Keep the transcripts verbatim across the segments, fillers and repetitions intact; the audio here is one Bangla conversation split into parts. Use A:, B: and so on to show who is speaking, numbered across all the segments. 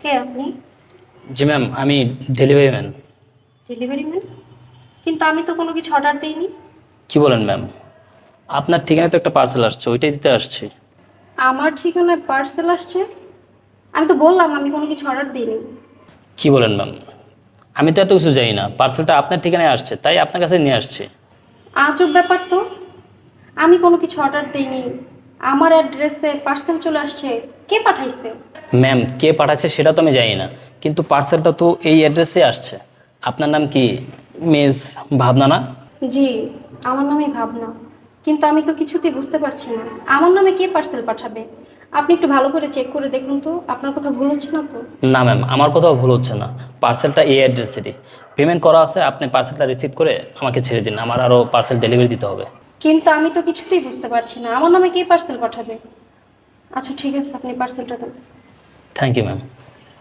A: কে আপনি?
B: জি ম্যাম, আমি ডেলিভারি ম্যান।
A: Delivery man? কিন্তু আমি তো কোনো কিছু অর্ডার দেইনি।
B: কি বলেন ম্যাম? আপনার ঠিকানায় তো একটা পার্সেল আসছে, ওইটাই দিতে আসছি।
A: আমার ঠিকানায় পার্সেল আসছে? আমি তো বললাম আমি কোনো কিছু অর্ডার দিইনি।
B: কি বলেন ম্যাম? আমি তো এত কিছু জানি না, পার্সেলটা আপনার ঠিকানায় আসছে তাই আপনার কাছে নিয়ে আসছি।
A: আজব ব্যাপার তো। আমি কোনো কিছু অর্ডার দিইনি, আমার অ্যাড্রেসে পার্সেল চলে আসছে। কে পাঠাইছে?
B: ম্যাম, কে পাঠাচ্ছে সেটা তো আমি জানি না, কিন্তু পার্সেলটা তো এই অ্যাড্রেসে আসছে। আপনার নাম কি? মিস ভাবনা না?
A: জি, আমার নামই ভাবনা। কিন্তু আমি তো কিছুতেই বুঝতে পারছি না আমার নামে কে পার্সেল পাঠাবে। আপনি একটু ভালো করে চেক করে দেখুন তো, আপনার কথা ভুল হচ্ছে না তো?
B: না ম্যাম, আমার কোথাও ভুল হচ্ছে না। পার্সেলটা এই অ্যাড্রেসেরই পেমেন্ট করা আছে, আপনি পার্সেলটা রিসিভ করে আমাকে ছেড়ে দিন, আমার আরও পার্সেল ডেলিভারি দিতে হবে।
A: কিন্তু আমি তো কিছুতেই বুঝতে পারছি না আমার নামে কে পার্সেল পাঠাবে। আচ্ছা ঠিক আছে, আপনি পার্সেলটা দেন।
B: Thank you ma'am.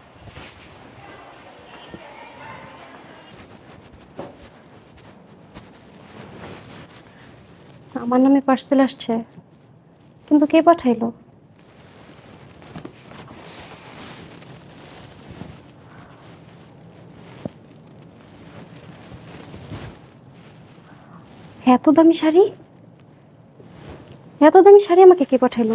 A: আমার নামে পার্সেল আসছে, কিন্তু কে পাঠাইলো? এত দামি শাড়ি, এত দামি শাড়ি আমাকে কে পাঠাইলো?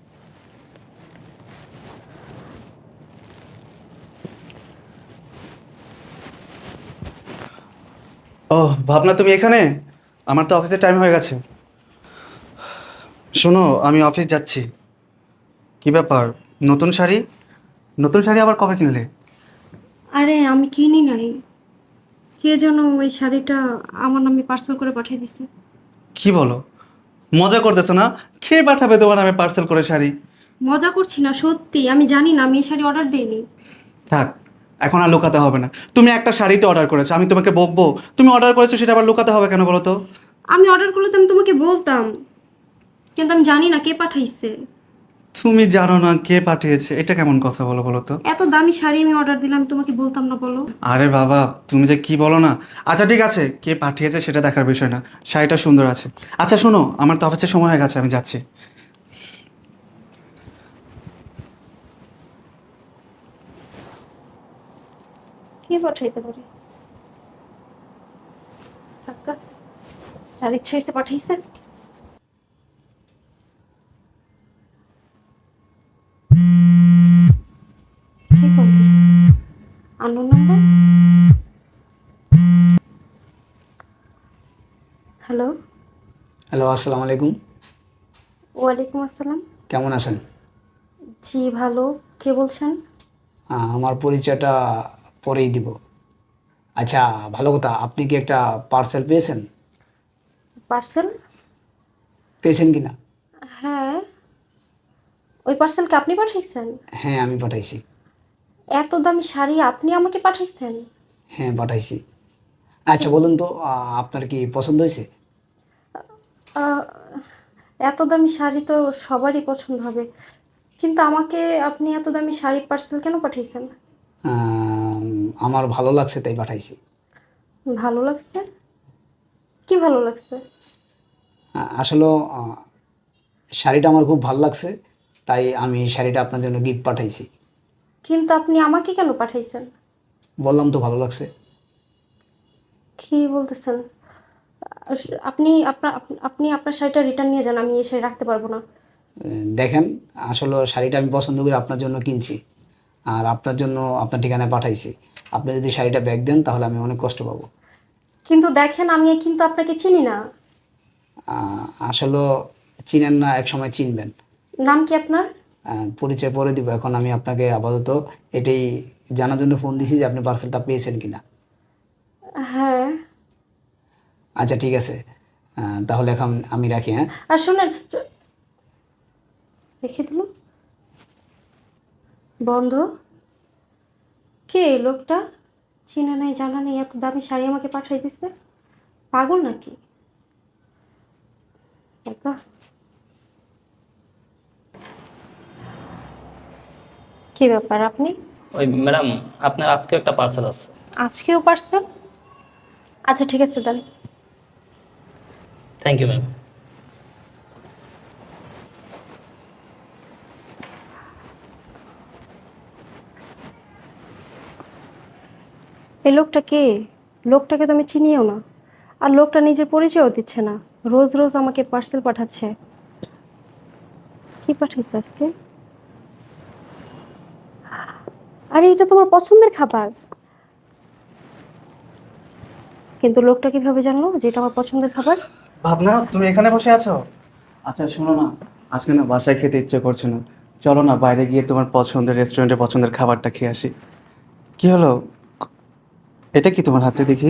C: ও, ভাবনা তুমি এখানে? আমার তো অফিসের টাইম হয়ে গেছে। শোনো, আমি অফিস যাচ্ছি। কি ব্যাপার? নতুন শাড়ি? নতুন শাড়ি আবার কবে কিনলে?
A: আরে আমি কিনি নাই, কে যেন ওই শাড়িটা আমার নামে পার্সেল করে পাঠিয়ে দিছে।
C: কি বলো? মজা করতেছো না? কে পাঠাবে তোমার নামে পার্সেল করে শাড়ি?
A: মজা করছি না, সত্যি আমি জানি না, আমি এই শাড়ি অর্ডার দেইনি।
C: থাক, এখন আর লুকাতে হবে না। তুমি একটা শাড়িতে অর্ডার করেছো, আমি তোমাকে বকবো? তুমি অর্ডার করেছো সেটা আবার লুকাতে হবে কেন বলো তো?
A: আমি অর্ডার করলে তো আমি তোমাকে বলতাম, কিন্তু আমি জানি না কে পাঠাইছে।
C: তুমি জানো না কে পাঠিয়েছে? এটা কেমন কথা বলো বলো তো?
A: এত দামি শাড়ি আমি অর্ডার দিলাম, তোমাকে বলতাম না বলো?
C: আরে বাবা, তুমি যে কি বলো না। আচ্ছা ঠিক আছে, কে পাঠিয়েছে সেটা দেখার বিষয় না। শাড়িটা সুন্দর আছে। আচ্ছা শোনো, আমার তো অফিসের সময় হয়ে গেছে, আমি যাচ্ছি।
A: কে পাঠাইতে পারে? কাকা, যার ইচ্ছা হয়েছে পাঠাইছে। কে করবে? Unknown number. হ্যালো।
D: হ্যালো, আসসালামু আলাইকুম।
A: ওয়ালাইকুম আসসালাম।
D: কেমন আছেন?
A: জি ভালো। কে বলছেন?
D: আহ, আমার পরিচয়টা পরেই দিব। আচ্ছা, ভালো কথা, আপনি কি একটা পার্সেল পেয়েছেন?
A: পার্সেল?
D: পেয়েছেন কি না?
A: হ্যাঁ, ওই পার্সেলকে আপনি পাঠাইছেন?
D: হ্যাঁ, আমি পাঠাইছি।
A: এত দামি শাড়ি আপনি আমাকে পাঠাইছেন?
D: হ্যাঁ, পাঠাইছি। আচ্ছা বলুন তো, আহ, আপনার কি পছন্দ হয়েছে?
A: আহ, এত দামি শাড়ি তো সবারই পছন্দ হবে, কিন্তু আমাকে আপনি এত দামি শাড়ি পার্সেল কেন পাঠাইছেন?
D: আহ, আমার ভালো লাগছে তাই পাঠাইছি।
A: ভালো লাগছে? কি ভালো লাগছে?
D: আহ, আসলে আহ, শাড়িটা আমার খুব ভালো লাগছে, তাই আমি শাড়িটা আপনার জন্য গিফট পাঠাইছি।
A: কিন্তু আপনি আমাকে কেন পাঠাইছেন?
D: বললাম তো ভালো লাগছে।
A: কি বলতেছেন? আস- আপনি আপনার আপ- আপনি আপনার শাড়িটা রিটার্ন নিয়ে যান, আমি এই শাড়ি রাখতে পারবো না।
D: আহ, দেখেন, আসলে শাড়িটা আমি পছন্দ করে আপনার জন্য কিনছি, আর আপনার জন্য আপনার ঠিকানায় পাঠাইছি। আপনি যদি শাড়িটা ব্যাগ দেন তাহলে আমি অনেক কষ্ট পাবো।
A: কিন্তু দেখেন, আমি কিন্তু আপনাকে চিনি না।
D: আহ, আসলে চিনেন না, এক সময় চিনবেন।
A: নাম কি আপনার?
D: আহ, পরিচয় পরে দিব, এখন আমি আপনাকে আপাতত এটাই জানার জন্য ফোন দিছি যে আপনি পার্সেলটা পেয়েছেন কিনা।
A: হ্যাঁ।
D: আচ্ছা ঠিক আছে, আহ, তাহলে এখন আমি রাখি, হ্যাঁ।
A: আর শুনেন, রেখে দিল বন্ধ। কে এই লোকটা? চিনা নেই জানা নেই, এত দামি শাড়ি আমাকে পাঠাই দিচ্ছে। পাগল নাকি? একা। কি ব্যাপার আপনি?
B: ওই ম্যাডাম, আপনার আজকে একটা পার্সেল আছে।
A: আজকেও পার্সেল? আচ্ছা ঠিক আছে দেন।
B: Thank you ma'am.
A: এই লোকটা কে? লোকটাকে তো আমি চিনিও না। আর লোকটা নিজের পরিচয়ও দিচ্ছে না, রোজ রোজ আমাকে পার্সেল পাঠাচ্ছে। কি পাঠাইছে আজকে? আরে এটা তোমার পছন্দের খাবার। কিন্তু লোকটা কিভাবে জানলো যে এটা আমার পছন্দের খাবার?
C: ভাবনা, তুমি এখানে বসে আছো? আচ্ছা শোনো না, আজকে না বাসায় খেতে ইচ্ছে করছে না, চলো না বাইরে গিয়ে তোমার পছন্দের রেস্টুরেন্টে পছন্দের খাবারটা খেয়ে আসি। কি হলো? এটা কি তোমার হাতে দেখি?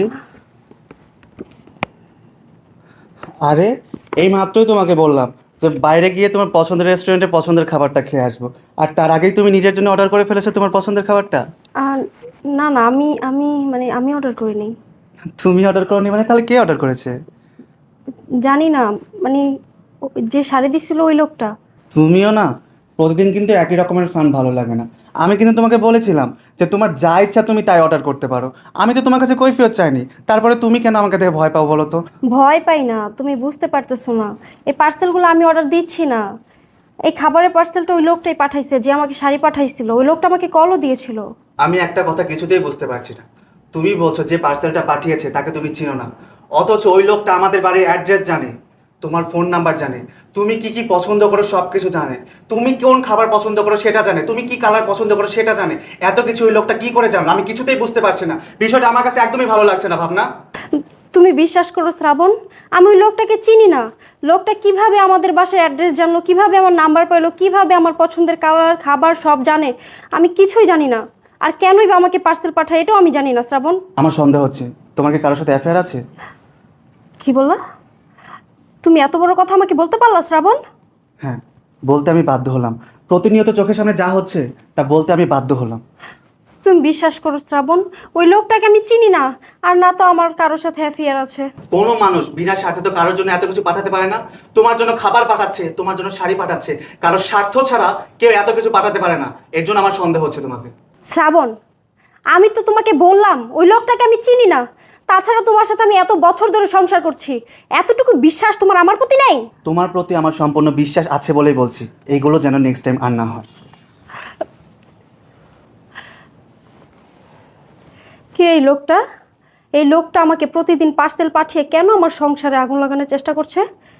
C: আরে, এই মাত্রই তোমাকে বললাম যে বাইরে গিয়ে তোমার পছন্দের রেস্টুরেন্টে পছন্দের খাবারটা খেয়ে আসবো, আর তার আগেই তুমি নিজের জন্য অর্ডার করে ফেলেছো তোমার পছন্দের খাবারটা।
A: আর না না, আমি আমি মানে আমি অর্ডার করিনি।
C: তুমি অর্ডার করোনি মানে তাহলে কে অর্ডার করেছে?
A: জানি না, মানে ও- যে শাড়ি দিছিল ওই লোকটা।
C: তুমিও না, প্রতিদিন কিন্তু একই রকমের ফান ভালো লাগে না। আমি কিন্তু তোমাকে বলেছিলাম যে তোমার যা ইচ্ছা তুমি তাই অর্ডার করতে পারো, আমি তো তোমার কাছে কৈফিয়ত চাইনি, তারপরে তুমি কেন আমাকে দেখে ভয় পাও বলো তো?
A: ভয় পাই না, তুমি বুঝতে পারতেছো না। এই পার্সেলগুলো আমি অর্ডার দিচ্ছি না। এই খাবারের পার্সেলটা ওই লোকটাই পাঠাইছে যে আমাকে শাড়ি পাঠাইছিল। ওই লোকটা আমাকে কলও দিয়েছিল।
C: আমি একটা কথা কিছুতেই বুঝতে পারছি না। তুমি বলছো যে পার্সেলটা পাঠিয়েছে তাকে তুমি চিনো না, অথচ ওই লোকটা আমাদের বাড়ির অ্যাড্রেস জানে, তোমার ফোন নাম্বার জানে, তুমি কি কি পছন্দ করো সব কিছু জানে, তুমি কোন খাবার পছন্দ করো সেটা জানে, তুমি কি কালার পছন্দ করো সেটা জানে। এত কিছু ওই লোকটা কি করে জানলো? আমি কিছুতেই বুঝতে পারছি না, বিষয়টা আমার কাছে একদমই ভালো লাগছে না ভাবনা।
A: তুমি বিশ্বাস করো শ্রাবণ, আমি ওই লোকটাকে চিনি না। লোকটা কিভাবে আমাদের বাসার অ্যাড্রেস জানলো, কিভাবে আমার নাম্বার পাইলো, কিভাবে আমার পছন্দের কালার খাবার সব জানে, আমি কিছুই জানি না। আর কেনই বা আমাকে পার্সেল পাঠায় এটাও আমি জানি না শ্রাবণ।
C: আমার সন্দেহ হচ্ছে তোমার কি কারোর সাথে অ্যাফেয়ার আছে।
A: কি বললা? তুমি এত বড় কথা আমাকে বলতে পারলা শ্রাবণ?
C: হ্যাঁ, বলতে আমি বাধ্য হলাম, প্রতিনিয়ত চোখের সামনে যা হচ্ছে তা বলতে আমি বাধ্য হলাম।
A: তুমি বিশ্বাস করো শ্রাবণ, ওই লোকটাকে আমি চিনি না। আর না তো আমার কারোর সাথে অ্যাফেয়ার আছে।
C: কোনো মানুষ বিনা স্বার্থে তো কারোর জন্য এত কিছু পাঠাতে পারে না। তোমার জন্য খাবার পাঠাচ্ছে, তোমার জন্য শাড়ি পাঠাচ্ছে, কারোর স্বার্থ ছাড়া কেউ এত কিছু পাঠাতে পারে না। এর জন্য আমার সন্দেহ হচ্ছে তোমাকে।
A: শ্রাবণ, আমি তো তোমাকে বললাম ওই লোকটাকে আমি চিনি না। তাছাড়া তোমার সাথে আমি এত বছর ধরে সংসার করছি, এতটুকু বিশ্বাস তোমার আমার প্রতি নেই?
C: তোমার প্রতি আমার সম্পূর্ণ বিশ্বাস আছে বলেই বলছি, এইগুলো যেন নেক্সট টাইম আর না হয়।
A: কে এই লোকটা? এই লোকটা আমাকে প্রতিদিন পার্সেল পাঠিয়ে কেন আমার সংসারে আগুন লাগানোর চেষ্টা করছে?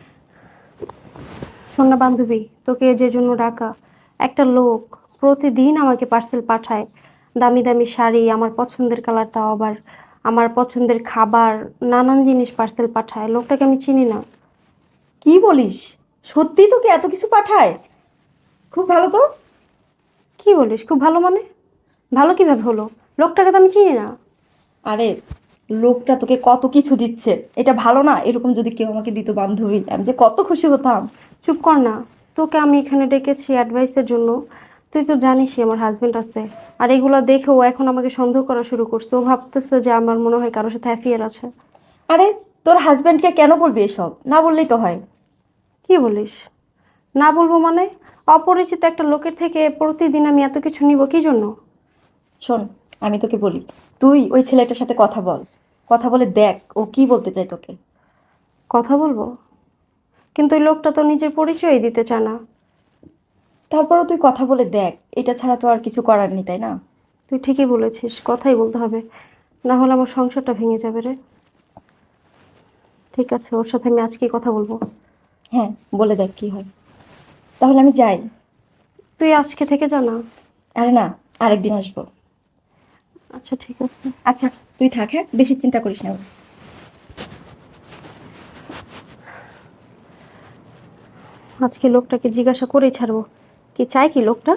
A: শোন না বান্ধবী, তোকে যে জন্য ডাকা, একটা লোক প্রতিদিন আমাকে পার্সেল পাঠায়, দামি দামি শাড়ি, আমার পছন্দের কালার, তাও আবার আমার পছন্দের খাবার, নানান জিনিস পার্সেল পাঠায়। লোকটাকে আমি চিনি না।
E: কি বলিস? সত্যি তোকে এত কিছু পাঠায়? খুব ভালো তো।
A: কি বলিস খুব ভালো মানে? ভালো কিভাবে হলো? লোকটাকে তো আমি চিনি না।
E: আরে, লোকটা তোকে কত কিছু দিচ্ছে, এটা ভালো না? এরকম যদি কেউ আমাকে দিত বান্ধবী, আমি যে কত খুশি হতাম।
A: চুপ কর না। তোকে আমি এখানে ডেকেছি অ্যাডভাইসের জন্য। তুই তো জানিসই আমার হাজবেন্ড আছে। আর এগুলো দেখে ও এখন আমাকে সন্দেহ করা শুরু করছে। ও ভাবতেছে যে আমার মনে হয় কারোর সাথে অ্যাফেয়ার আছে।
E: আরে, তোর হাজব্যান্ডকে কেন বলবি এসব? না বললেই তো হয়।
A: কি বলিস? না বলবো মানে? অপরিচিত একটা লোকের থেকে প্রতিদিন আমি এত কিছু নিব কি জন্য?
E: শোন, আমি তোকে বলি, তুই ওই ছেলেটার সাথে কথা বল। কথা বলে দেখ ও কি বলতে চায় তোকে।
A: কথা বলবো? কিন্তু ওই লোকটা তো নিজের পরিচয়ই দিতে চায় না।
E: তারপরও তুই কথা বলে দেখ, এটা ছাড়া তো আর কিছু করার নেই, তাই না?
A: তুই ঠিকই বলেছিস, কথাই বলতে হবে, না হলে আমার সংসারটা ভেঙে যাবে রে। ঠিক আছে, ওর সাথে আমি আজকেই কথা বলবো।
E: হ্যাঁ, বলে দেখ কি হয়। তাহলে আমি যাই।
A: তুই আজকে থেকে জানা।
E: আরে না, আরেকদিন আসবো।
A: আচ্ছা ঠিক আছে।
E: আচ্ছা, তুই থাক, হ্যাঁ, বেশি চিন্তা করিস না।
A: আজকে লোকটাকে জিজ্ঞাসা করেই ছাড়বো কি চাই কি লোকটা।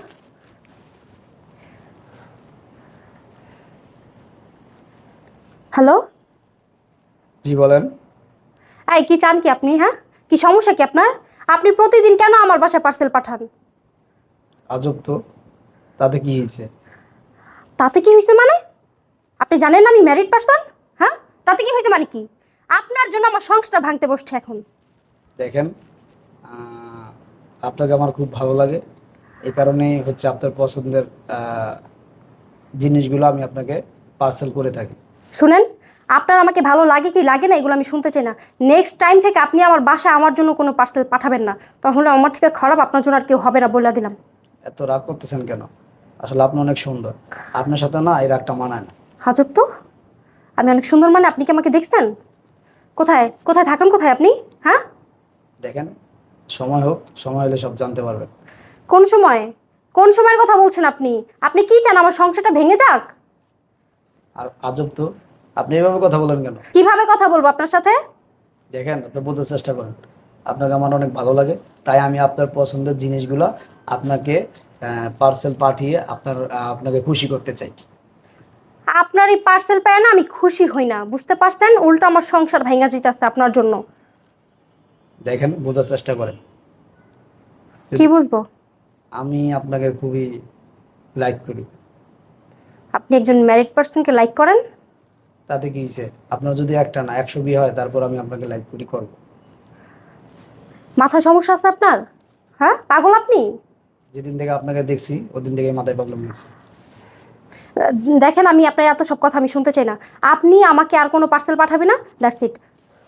A: হ্যালো।
D: জি বলেন।
A: এই কি চান কি আপনি? হ্যাঁ, কি সমস্যা কি আপনার? আপনি প্রতিদিন কেন আমার বাসায় পার্সেল পাঠান?
D: আজব তো, তাতে কি হয়েছে?
A: তাতে কি হয়েছে মানে? আপনি জানেন না আমি ম্যারিড পারসন? হ্যাঁ, তাতে কি হয়েছে মানে কি? আপনার জন্য আমার সংসারটা ভাঙতে বসছে এখন।
D: দেখেন, আহ, আপনাকে আমার খুব ভালো লাগে, এই কারণেই হচ্ছে আপনার পছন্দের আহ, জিনিসগুলো আমি আপনাকে পার্সেল করে থাকি।
A: শুনেন, আপনার আমাকে ভালো লাগে কি লাগে না এগুলো আমি শুনতে চাই না। নেক্সট টাইম থেকে আপনি আমার বাসায় আমার জন্য কোনো পার্সেল পাঠাবেন না, তাহলে আমার থেকে খারাপ আপনার জন্য আর কেউ হবে না বলে দিলাম।
D: এত রাগ করতেছেন কেন? আসলে আপনি অনেক সুন্দর, আপনার সাথে না এই রাগটা মানায় না।
A: হাজব তো, আমি অনেক সুন্দর মানে আপনি কি আমাকে দেখছেন? কোথায় কোথায় থাকেন কোথায় আপনি? হ্যাঁ,
D: দেখেন, সময় হোক, সময় হলে সব জানতে পারবেন।
A: কোন সময়? কোন সময়ের কথা বলছেন আপনি? আপনি কি চান আমার সংসারটা ভেঙে যাক?
D: আর আজব তো, আপনি এভাবে কথা বলেন কেন?
A: কিভাবে কথা বলবো আপনার সাথে?
D: দেখেন, আপনি বোঝার চেষ্টা করেন। আপনাকে আমার অনেক ভালো লাগে, তাই আমি আপনার পছন্দের জিনিসগুলো আপনাকে পার্সেল পাঠিয়ে আপনার আহ, আপনাকে খুশি করতে চাই।
A: আপনার এই পার্সেল পেয়ে না আমি খুশি হই না, বুঝতে পারছেন? উল্টো আমার সংসার ভেঙে যেতেছে আপনার জন্য।
D: দেখেন, বোঝার চেষ্টা করেন।
A: কি বুঝবো?
D: আমি আপনাকে খুবই লাইক করি।
A: আপনি একজন ম্যারিড পার্সনকে লাইক করেন?
D: তাতে কি হয়েছে? আপনার যদি একটা না একশো বিয়ে হয়, তারপর আমি আপনাকে লাইক করি করব।
A: মাথায় সমস্যা আছে আপনার? হ্যাঁ, পাগল আপনি?
D: যেদিন থেকে আপনাকে দেখছি ওদিন থেকে মাথায় প্রবলেম হয়েছে।
A: আহ, দেখেন, আমি আপনার এত সব কথা আমি শুনতে চাই না। আপনি আমাকে আর কোনো পার্সেল পাঠাবে না, দ্যাটস ইট।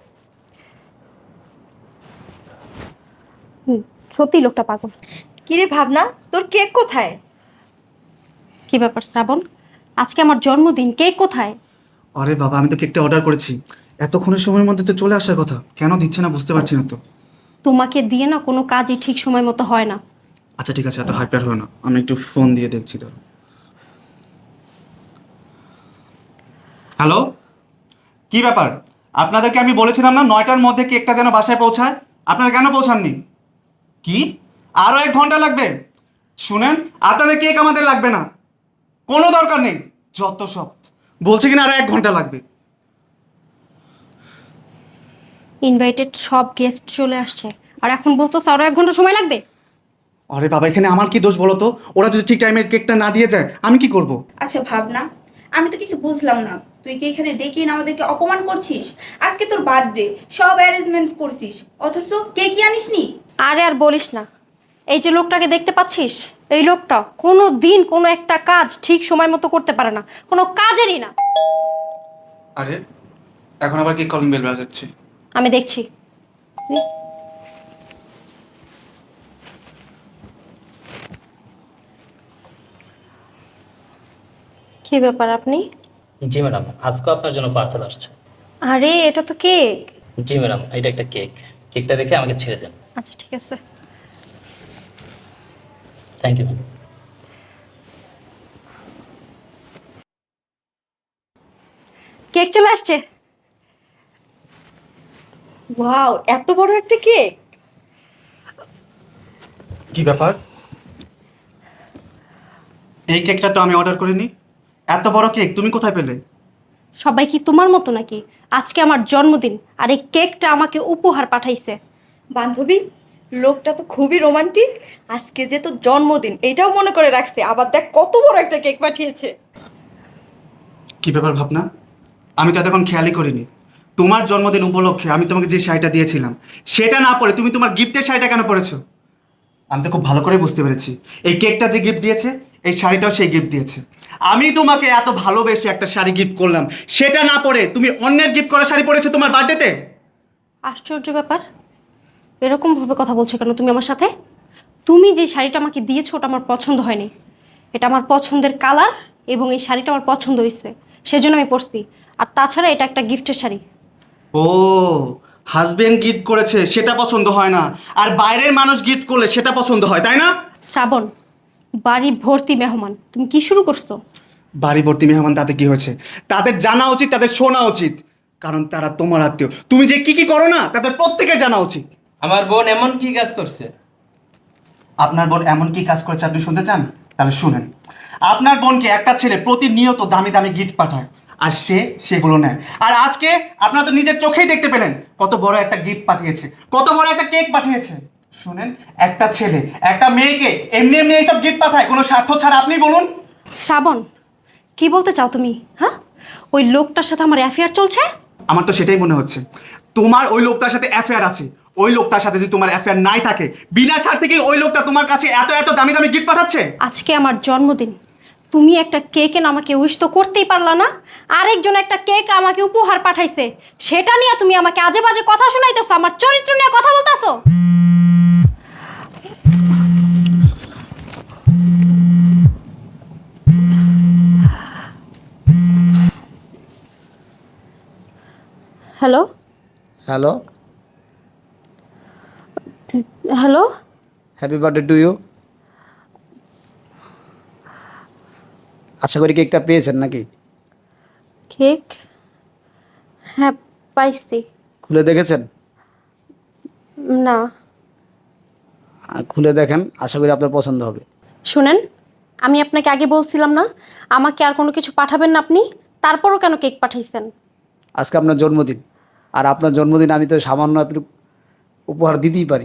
A: সত্যি লোকটা পাগল।
E: কিরে ভাবনা, তোর কেক কোথায়?
A: কি ব্যাপার শ্রাবণ, আজকে আমার জন্মদিন, কেক কোথায়?
C: আরে বাবা, আমি তো কেকটা অর্ডার করেছি, এতক্ষণের সময়ের মধ্যে তো চলে আসার কথা, কেন দিচ্ছে না বুঝতে পারছি না তো।
A: তোমাকে দিয়ে না কোনো কাজই ঠিক সময় মতো হয় না।
C: আচ্ছা ঠিক আছে, এত হাইপার হয় না, আমি একটু ফোন দিয়ে দেখছি ধরো। হ্যালো, কি ব্যাপার? আপনাদেরকে আমি বলেছিলাম না নয়টার মধ্যে কেকটা যেন বাসায় পৌঁছায়, আপনারা কেন পৌঁছাননি? কি আরও এক ঘন্টা লাগবে? শুনেন, আপনাদের কেক আমাদের লাগবে না, কোনো দরকার নেই, যত সব বলছে কিনা আরও এক ঘন্টা লাগবে।
A: ইনভাইটেড সব গেস্ট চলে আসছে, আর এখন বলতো আরো এক ঘন্টা সময় লাগবে?
C: আরে বাবা, এখানে আমার কি দোষ বলো তো? ওরা যদি ঠিক টাইমে কেকটা না দিয়ে যায় আমি কি করব?
F: আচ্ছা ভাবনা, আমি তো কিছু বুঝলাম না, তুই কি এখানে ডেকে এনে আমাদেরকে অপমান করছিস? আজকে তোর বার্থডে, সব অ্যারেঞ্জমেন্ট করছিস, অথচ কে কি আনিসনি?
A: আরে আর বলিস না, এই যে লোকটাকে দেখতে পাচ্ছিস, এই লোকটা কোনো দিন কোনো একটা কাজ ঠিক সময় মতো করতে পারে না, কোনো কাজেরই না।
C: আরে এখন আবার কি কলিং বেল বাজাচ্ছে?
A: আমি দেখছি। কি ব্যাপার আপনি?
B: জি ম্যাডাম, আজকে আপনার জন্য পার্সেল আসছে।
A: আরে এটা তো কেক।
B: জি ম্যাডাম, এটা একটা কেক। কেকটা রেখে আমাকে ছেড়ে দেন।
A: আচ্ছা ঠিক আছে।
B: Thank you ma'am.
A: কেক চলে আসছে।
E: ওয়াও, এত বড় একটা কেক!
C: কি ব্যাপার? এই কেকটা তো আমি অর্ডার করিনি, এত বড় কেক তুমি কোথায় পেলে?
A: সবাই কি তোমার মতো নাকি? আজকে আমার জন্মদিন, আর এই কেকটা আমাকে উপহার পাঠাইছে।
E: বান্ধবী, লোকটা তো খুবই রোমান্টিক। আজকে যে তোর জন্মদিন এটাও মনে করে রাখছে, আবার দেখ কত বড় একটা কেক পাঠিয়েছে।
C: কি ব্যাপার ভাবনা, আমি তো এতক্ষণ খেয়ালই করিনি। তোমার জন্মদিন উপলক্ষে আমি তোমাকে যে শাড়িটা দিয়েছিলাম সেটা না পরে তুমি তোমার গিফটের শাড়িটা কেন পরেছো? আমি তো খুব ভালো করে বুঝতে পেরেছি, এই কেকটা যে গিফট দিয়েছে এই শাড়িটাও সেই গিফট দিয়েছে। আমি তোমাকে এত ভালোবেসে একটা শাড়ি গিফট করলাম, সেটা না পরে তুমি অন্যের গিফট করা শাড়ি পরেছো তোমার বার্থডেতে।
A: আশ্চর্য ব্যাপার, এরকম ভাবে কথা বলছো কেন তুমি আমার সাথে? তুমি যে শাড়িটা আমাকে দিয়েছো ওটা আমার পছন্দ হয়নি। এটা আমার পছন্দের কালার, এবং এই শাড়িটা আমার পছন্দ হয়েছে, সেজন্য আমি পরছি। আর তাছাড়া এটা একটা গিফটের শাড়ি।
C: ও, হাজবেন্ড গিফট করেছে সেটা পছন্দ হয় না, আর বাইরের মানুষ গিফট করলে সেটা পছন্দ হয়, তাই না?
A: শ্রাবণ, বাড়ি ভর্তি মেহমান, তুমি কি শুরু করছো?
C: বাড়ি ভর্তি মেহমান তাতে কি হয়েছে? তাদের জানা উচিত, তাদের শোনা উচিত, কারণ তারা তোমার আত্মীয়। তুমি যে কি কি করো না তাদের প্রত্যেকের জানা উচিত।
G: আমার বোন এমন কি কাজ করছে?
C: আপনার বোন এমন কি কাজ করেছে আপনি শুনতে চান? তাহলে শুনেন। আপনার বোনকে একটা ছেলে প্রতিনিয়ত দামি দামি গিফট পাঠায়, আর সে সেগুলো নেয়। আর আজকে আপনারা তো নিজের চোখেই দেখতে পেলেন কত বড় একটা গিফট পাঠিয়েছে, কত বড় একটা কেক পাঠিয়েছে। শুনেন, একটা ছেলে একটা মেয়েকে এমনি এমনি এইসব গিফট পাঠায় কোনো স্বার্থ ছাড়া? আপনি বলুন।
A: শ্রাবণ, কি বলতে চাও তুমি? হ্যাঁ, ওই লোকটার সাথে আমার অ্যাফেয়ার চলছে?
C: আমার তো সেটাই মনে হচ্ছে, তোমার ওই লোকটার সাথে অ্যাফেয়ার আছে। ওই লোকটার সাথে যদি তোমার অ্যাফেয়ার নাই থাকে, বিনা স্বার্থে কি ওই লোকটা তোমার কাছে এত এত দামি দামি গিফট পাঠাচ্ছে?
A: আজকে আমার জন্মদিন, তুমি একটা কেক এনে আমাকে উইশ তো করতেই পারলা না? আরেকজন একটা কেক আমাকে উপহার পাঠাইছে, সেটা নিয়ে তুমি আমাকে আজে বাজে কথা শোনাইতেছো, আমার চরিত্র নিয়ে কথা বলতেছো। Hello
D: hello,
A: hello
D: happy birthday to you. আশা করি কেকটা পেয়েছেন নাকি?
A: কেক? হ্যাঁ, পাইছি।
D: খুলে দেখেছেন?
A: না।
D: আহ, খুলে দেখেন, আশা করি আপনার পছন্দ হবে।
A: শুনেন, আমি আপনাকে আগে বলছিলাম না আমাকে আর কোনো কিছু পাঠাবেন না আপনি, তারপরও কেন কেক পাঠাইছেন?
D: আজকে আপনার জন্মদিন, আর আপনার জন্মদিন আমি তো সামান্য এতটুকু উপহার দিতেই পারি।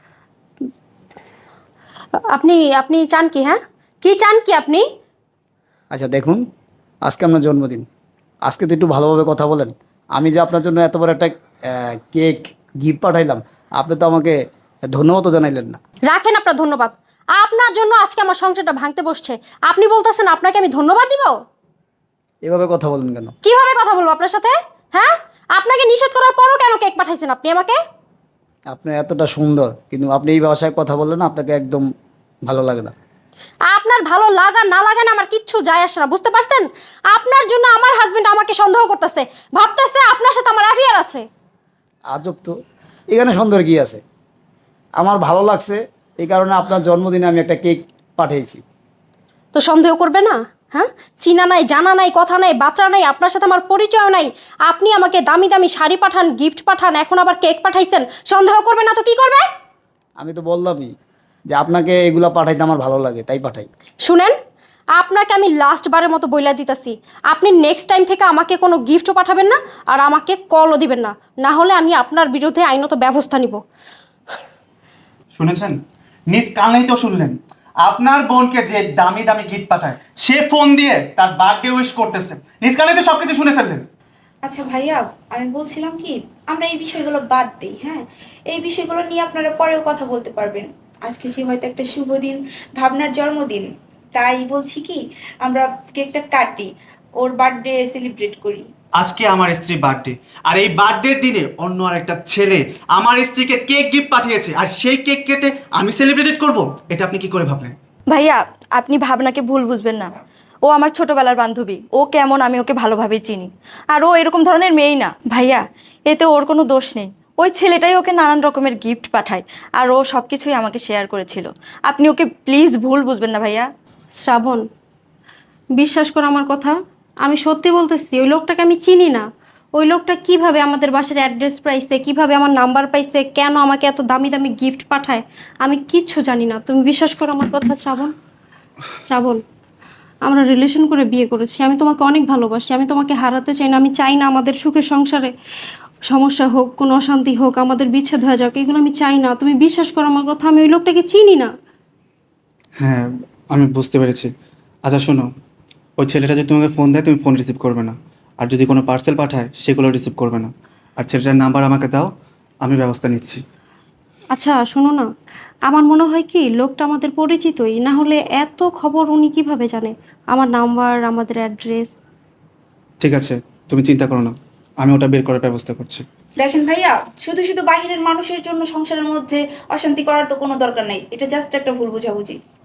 A: আপনি আপনি চান কি? হ্যাঁ, কি চান কি আপনি?
D: আচ্ছা দেখুন, আজকে আপনার জন্মদিন, আজকে তো একটু ভালোভাবে কথা বলেন। আমি যে আপনার জন্য এত বড় একটা আহ, কেক গিফট পাঠাইলাম, আপনি তো আমাকে ধন্যবাদও জানাইলেন না।
A: রাখেন আপনার ধন্যবাদ। আপনার জন্য আজকে আমার সংসারটা ভাঙতে বসছে, আপনি বলতেছেন আপনাকে আমি ধন্যবাদ দিব?
D: এভাবে কথা বলেন কেন?
A: কিভাবে কথা বলবো আপনার সাথে? হ্যাঁ, আপনাকে নিষেধ করার পরও কেন কেক পাঠাইছেন আপনি আমাকে?
D: আপনি এতটা সুন্দর, কিন্তু আপনি এই ভাষায় কথা বললেন, আপনাকে একদম ভালো লাগে না।
A: আপনার ভালো লাগা না লাগা না আমার কিচ্ছু যায় আসে না, বুঝতে পারছেন? আপনার জন্য আমার হাজবেন্ড আমাকে সন্দেহ করতেছে, ভাবতেছে আপনার সাথে আমার অ্যাফেয়ার আছে।
D: আজব তো, এখানে সুন্দর কি আছে? আমার ভালো লাগছে, এই কারণে আপনার জন্মদিনে আমি একটা কেক পাঠিয়েছি।
A: তো সন্দেহ করবে না? হ্যাঁ, চিনা নাই, জানা নাই, কথা নাই, বাচ্চা নাই, আপনার সাথে আমার পরিচয় নাই, আপনি আমাকে দামি দামি শাড়ি পাঠান, গিফট পাঠান, এখন আবার কেক পাঠাইছেন, সন্দেহ করবে না তো কি করবে?
D: আমি তো বললামই যে আপনাকে এগুলো পাঠাইতে আমার ভালো লাগে, তাই পাঠাই।
A: শুনেন, আপনাকে আমি লাস্ট বারের মতো বইলা দিতেছি, আপনি নেক্সট টাইম থেকে আমাকে কোনো গিফটও পাঠাবেন না, আর আমাকে কলও দিবেন না, না হলে আমি আপনার বিরুদ্ধে আইনত ব্যবস্থা নিব।
C: শুনেছেন? নিজ কানেই তো শুনলেন, আপনার বোনকে যে দামি দামি গিফট পাঠায় সে ফোন দিয়ে তার বার্থডে উইশ করতেছে। নিজ কানেই তো সবকিছু শুনে ফেললেন।
F: আচ্ছা ভাইয়া, আমি বলছিলাম কি, আমরা এই বিষয়গুলো বাদ দিই, হ্যাঁ? এই বিষয়গুলো নিয়ে আপনারা পরেও কথা বলতে পারবেন। আজকে যে হয়তো একটা শুভ দিন, ভাবনার জন্মদিন, তাই বলছি কি, আমরা কেকটা কাটি, ওর বার্থডে সেলিব্রেট করি।
C: আজকে আমার স্ত্রীর বার্থডে, আর এই বার্থডের দিনে অন্য আর একটা ছেলে আমার স্ত্রীকে কেক গিফট পাঠিয়েছে, আর সেই কেক কেটে আমি সেলিব্রেট করব? এটা আপনি কি করে ভাবলেন?
E: ভাইয়া, আপনি ভাবনাকে ভুল বুঝবেন না। ও আমার ছোটবেলার বান্ধবী, ও কেমন আমি ওকে ভালোভাবেই চিনি। আর ও এরকম ধরনের মেয়েই না ভাইয়া, এতে ওর কোনো দোষ নেই। ওই ছেলেটাই ওকে নানান রকমের গিফট পাঠায়, আর ও সব কিছুই আমাকে শেয়ার করেছিল। আপনি ওকে প্লিজ ভুল বুঝবেন না ভাইয়া।
A: শ্রাবণ, বিশ্বাস করো আমার কথা, আমি সত্যি বলতেছি, ওই লোকটাকে আমি চিনি না। ওই লোকটা কিভাবে আমাদের বাসার অ্যাড্রেস পাইছে, কিভাবে আমার নাম্বার পাইছে, কেন আমাকে এত দামি দামি গিফট পাঠায়, আমি কিচ্ছু জানি না। তুমি বিশ্বাস করো আমার কথা শ্রাবণ। শ্রাবণ, আমরা রিলেশন করে বিয়ে করেছি, আমি তোমাকে অনেক ভালোবাসি, আমি তোমাকে হারাতে চাই না, আমি চাই না আমাদের সুখের সংসারে সমস্যা হোক, কোনো অশান্তি হোক, আমাদের বিচ্ছেদ হয়ে যাক, এগুলো আমি চাই না। তুমি বিশ্বাস করো আমার কথা, আমি ওই লোকটাকে চিনি না।
C: হ্যাঁ, আমি বুঝতে পেরেছি। আচ্ছা শোনো, ওই ছেলেটা যদি তোমাকে ফোন দেয় তুমি ফোন রিসিভ করবে না, আর যদি কোনো পার্সেল পাঠায় সেগুলো রিসিভ করবে না। আর ছেলেটার নাম্বার আমাকে দাও, আমি ব্যবস্থা নিচ্ছি।
A: আচ্ছা শোনো না, আমার মনে হয় কি লোকটা আমাদের পরিচিতই, না হলে এত খবর উনি কিভাবে জানে, আমার নাম্বার, আমাদের অ্যাড্রেস।
C: ঠিক আছে, তুমি চিন্তা করো না, আমি ওটা বের করার ব্যবস্থা করছি।
F: দেখেন ভাইয়া, শুধু শুধু বাহিরের মানুষের জন্য সংসারের মধ্যে অশান্তি করার তো কোনো দরকার নাই, এটা জাস্ট একটা ভুল বোঝাবুঝি।